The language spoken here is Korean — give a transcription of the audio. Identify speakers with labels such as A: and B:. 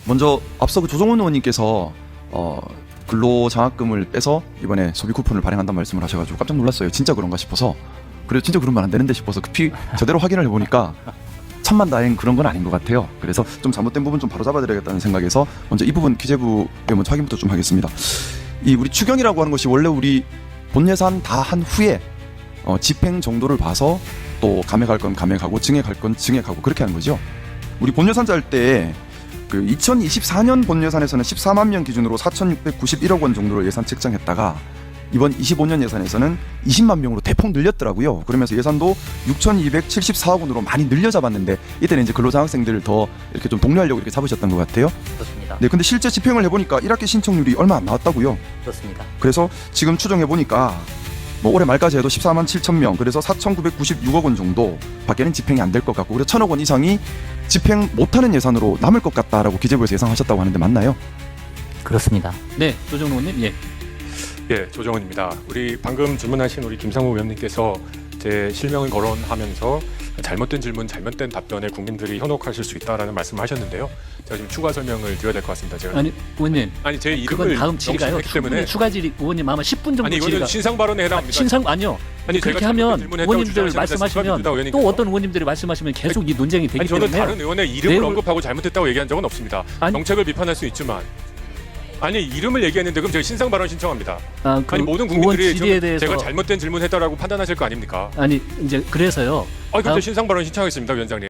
A: 먼저 앞서 그 조정훈 의원님께서 근로장학금을 빼서 이번에 소비 쿠폰을 발행한다는 말씀을 하셔가지고 깜짝 놀랐어요. 진짜 그런가 싶어서. 그래도 진짜 그러면 안 되는데 싶어서 급히 제대로 확인을 해보니까 천만다행 그런 건 아닌 것 같아요. 그래서 좀 잘못된 부분 좀 바로잡아드려야겠다는 생각에서 먼저 이 부분 기재부에 먼저 확인부터 좀 하겠습니다. 이 우리 추경이라고 하는 것이 원래 우리 본 예산 다 한 후에 집행 정도를 봐서 또 감액할 건 감액하고 증액할 건 증액하고 그렇게 하는 거죠. 우리 본 예산 짤 때 그 2024년 본 예산에서는 14만 명 기준으로 4,691억 원 정도를 예산 책정했다가 이번 25년 예산에서는 20만 명으로 대폭 늘렸더라고요. 그러면서 예산도 6,274억 원으로 많이 늘려 잡았는데 이때는 이제 근로장학생들을 더 이렇게 좀 독려하려고 이렇게 잡으셨던 것 같아요.
B: 그렇습니다.
A: 네, 근데 실제 집행을 해보니까 1학기 신청률이 얼마 안 나왔다고요.
B: 그렇습니다.
A: 그래서 지금 추정해보니까 뭐 올해 말까지 해도 14만 7천 명, 그래서 4,996억 원 정도 밖에는 집행이 안 될 것 같고, 그래서 1,000억 원 이상이 집행 못하는 예산으로 남을 것 같다라고 기재부에서 예상하셨다고 하는데 맞나요?
B: 그렇습니다.
C: 네, 조정훈 의원님. 예.
D: 예, 조정훈입니다. 우리 방금 질문하신 우리 김상우 의원님께서 제 실명을 거론하면서 잘못된 질문, 잘못된 답변에 국민들이 현혹하실 수 있다라는 말씀을 하셨는데요. 제가 지금 추가 설명을 드려야 될 것 같습니다. 제가
C: 아니, 의원님.
D: 제
C: 그건
D: 이름을
C: 다음 질의가요.
D: 명시했기 때문에
C: 추가 질의 의원님 아마 10분 정도
D: 아니 이거는
C: 질의가.
D: 신상 발언에 해당합니다.
C: 신상 아니요.
D: 아니,
C: 그렇게
D: 제가
C: 하면
D: 잘못된 질문을
C: 의원님들
D: 했다고
C: 말씀하시면
D: 주장하시는 의원님께서.
C: 또 어떤 의원님들이 말씀하시면 계속 이 논쟁이 되기
D: 아니 저는
C: 때문에
D: 다른 의원의 이름을
C: 내용을-
D: 언급하고 잘못했다고 얘기한 적은 없습니다.
C: 아니-
D: 정책을 비판할 수 있지만 아니 이름을 얘기했는데 그럼 제가 신상 발언 신청합니다.
C: 그
D: 아니 모든
C: 의원
D: 국민들이
C: 질의에
D: 지금
C: 대해서
D: 제가 잘못된 질문했다라고 판단하실 거 아닙니까?
C: 아니 이제 그래서요.
D: 아니 그럼
C: 다음-
D: 신상 발언 신청하겠습니다, 위원장님.